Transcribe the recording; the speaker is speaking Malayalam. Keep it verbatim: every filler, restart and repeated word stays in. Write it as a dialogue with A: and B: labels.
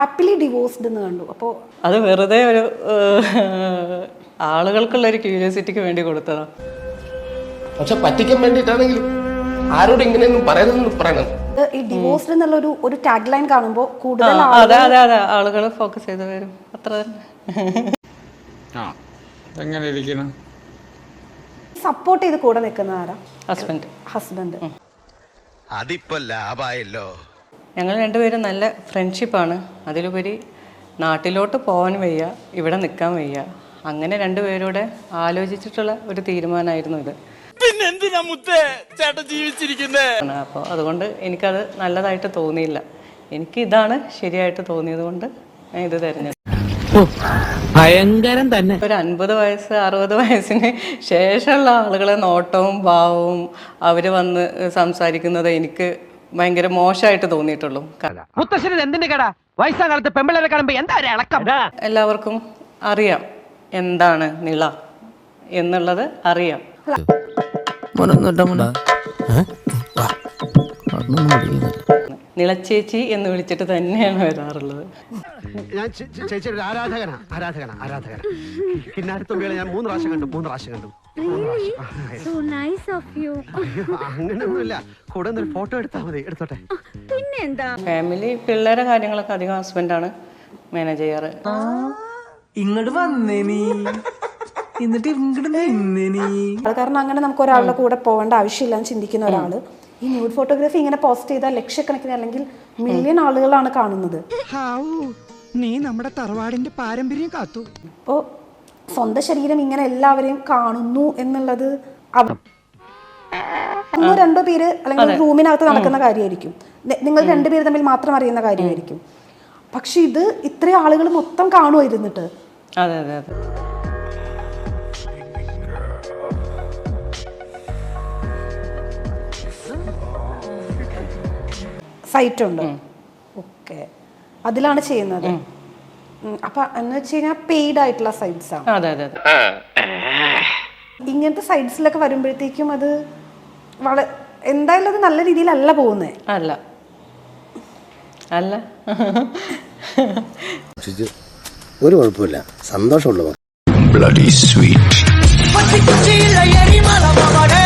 A: ഹാപ്പിലി ഡിവോഴ്സ്ഡ് എന്ന് കണ്ടു. അപ്പോൾ
B: അത് വെറുതെ ഒരു ആളുകൾക്കുള്ള ഒരു ക്യൂരിയോസിറ്റിക്ക് വേണ്ടി കൊടുത്തതാ.
C: പക്ഷെ പറ്റിക്കാൻ വേണ്ടിയിട്ടാണെങ്കിലും ആരോട് ഇങ്ങനെയൊന്നും പറയരുതെന്ന് പറയണം.
A: ഈ ഡിവോഴ്സ്ഡ് എന്നുള്ള ഒരു ഒരു ടാഗ് ലൈൻ കാണുമ്പോൾ കൂടുതൽ
B: അതെ അതെ അതെ ആളുകൾ ഫോക്കസ് ചെയ്ത് വരും. അത്ര
D: തന്നെ
A: സപ്പോർട്ട് ചെയ്ത് കൂടെ നിൽക്കുന്ന ആരാ?
B: ഹസ്ബൻഡ്.
A: ഹസ്ബൻഡ്.
E: അതിപ്പോ ലാഭായല്ലോ.
B: ഞങ്ങൾ രണ്ടുപേരും നല്ല ഫ്രണ്ട്ഷിപ്പാണ്. അതിലുപരി നാട്ടിലോട്ട് പോകാൻ വയ്യ, ഇവിടെ നിൽക്കാൻ വയ്യ. അങ്ങനെ രണ്ടുപേരൂടെ ആലോചിച്ചിട്ടുള്ള ഒരു തീരുമാനമായിരുന്നു ഇത്.
E: പിന്നെ എന്തിനാ മുത്തേ ചേട്ടൻ ജീവിച്ചിരിക്കുന്നേ?
B: അപ്പോൾ അതുകൊണ്ട് എനിക്കത് നല്ലതായിട്ട് തോന്നിയില്ല. എനിക്ക് ഇതാണ് ശരിയായിട്ട് തോന്നിയത് കൊണ്ട് ഞാൻ ഇത് തിരഞ്ഞെടുത്തു.
F: ഭയങ്കരം തന്നെ.
B: ഒരു അൻപത് വയസ്സ് അറുപത് വയസ്സിന് ശേഷമുള്ള ആളുകളെ നോട്ടവും ഭാവവും അവർ വന്ന് സംസാരിക്കുന്നത് എനിക്ക് ഭയങ്കര മോശമായിട്ട് തോന്നിയിട്ടുള്ളൂ.
F: വയസ്സാകാലത്ത് പെമ്പിളരെ കാണുമ്പോ എന്താ ഇളക്കം?
B: എല്ലാവർക്കും അറിയാം എന്താണ് നിള എന്നുള്ളത് അറിയാം. നിളച്ചേച്ചി എന്ന് വിളിച്ചിട്ട് തന്നെയാണ് വരാറുള്ളത്.
G: ഞാൻ ചേച്ചിയുടെ ഒരു ആരാധകനാ ആരാധകനാ ആരാധകന കിന്നാരത്തുമ്പികളെ ഞാൻ മൂന്ന് പ്രാവശ്യം കണ്ടു മൂന്ന് പ്രാവശ്യം കണ്ടു അങ്ങനെയൊന്നുമില്ല. കൂടെ ഒരു ഫോട്ടോ എടുത്താൽ മതി. എടുത്തോട്ടെ.
B: ഫാമിലി പിള്ളേരെ കാര്യങ്ങളൊക്കെ അധികം ഹസ്ബൻഡാണ് മാനേജ് ചെയ്യാറ്.
F: ഇങ്ങോട്ട് വന്നേനി എന്നിട്ട് ഇങ്ങോട്ട് നിന്നേനി.
A: കാരണം അങ്ങനെ നമുക്ക് ഒരാളുടെ കൂടെ പോകേണ്ട ആവശ്യമില്ല എന്ന് ചിന്തിക്കുന്ന ഒരാള് ഈ ന്യൂഡ് ഫോട്ടോഗ്രാഫി ഇങ്ങനെ പോസ്റ്റ് ചെയ്താൽ ലക്ഷക്കണക്കിന് അല്ലെങ്കിൽ മില്യൺ ആളുകളാണ് കാണുന്നത്.
H: നീ നമ്മുടെ തറവാടിന്റെ പാരമ്പര്യം കാത്തു.
A: അപ്പോൾ സ്വന്തം ശരീരം ഇങ്ങനെ എല്ലാവരെയും കാണുന്നു എന്നുള്ളത് ഒന്നോ രണ്ടോ പേര് അല്ലെങ്കിൽ റൂമിനകത്ത് നടക്കുന്ന കാര്യമായിരിക്കും. നിങ്ങൾ രണ്ടുപേര് തമ്മിൽ മാത്രം അറിയുന്ന കാര്യമായിരിക്കും. പക്ഷെ ഇത് ഇത്രയും ആളുകൾ മൊത്തം കാണുമായിരുന്നിട്ട്.
B: അതെ അതെ അതെ.
A: സൈറ്റ് ഉണ്ട്. ഓക്കെ, അതിലാണ് ചെയ്യുന്നത്. അപ്പൊ എന്ന് വെച്ച് കഴിഞ്ഞാൽ പെയ്ഡ് ആയിട്ടുള്ള സൈറ്റ്സ് ആണ്.
B: അതെ അതെ അതെ.
A: ഇങ്ങനത്തെ സൈറ്റ്സിലൊക്കെ വരുമ്പോഴത്തേക്കും അത് വളരെ എന്തായാലും അത് നല്ല രീതിയിലല്ല പോകുന്നത്.
B: അല്ല അല്ല
C: ഒരു കുഴപ്പമില്ല, സന്തോഷമുള്ളവർ.
E: Bloody sweet.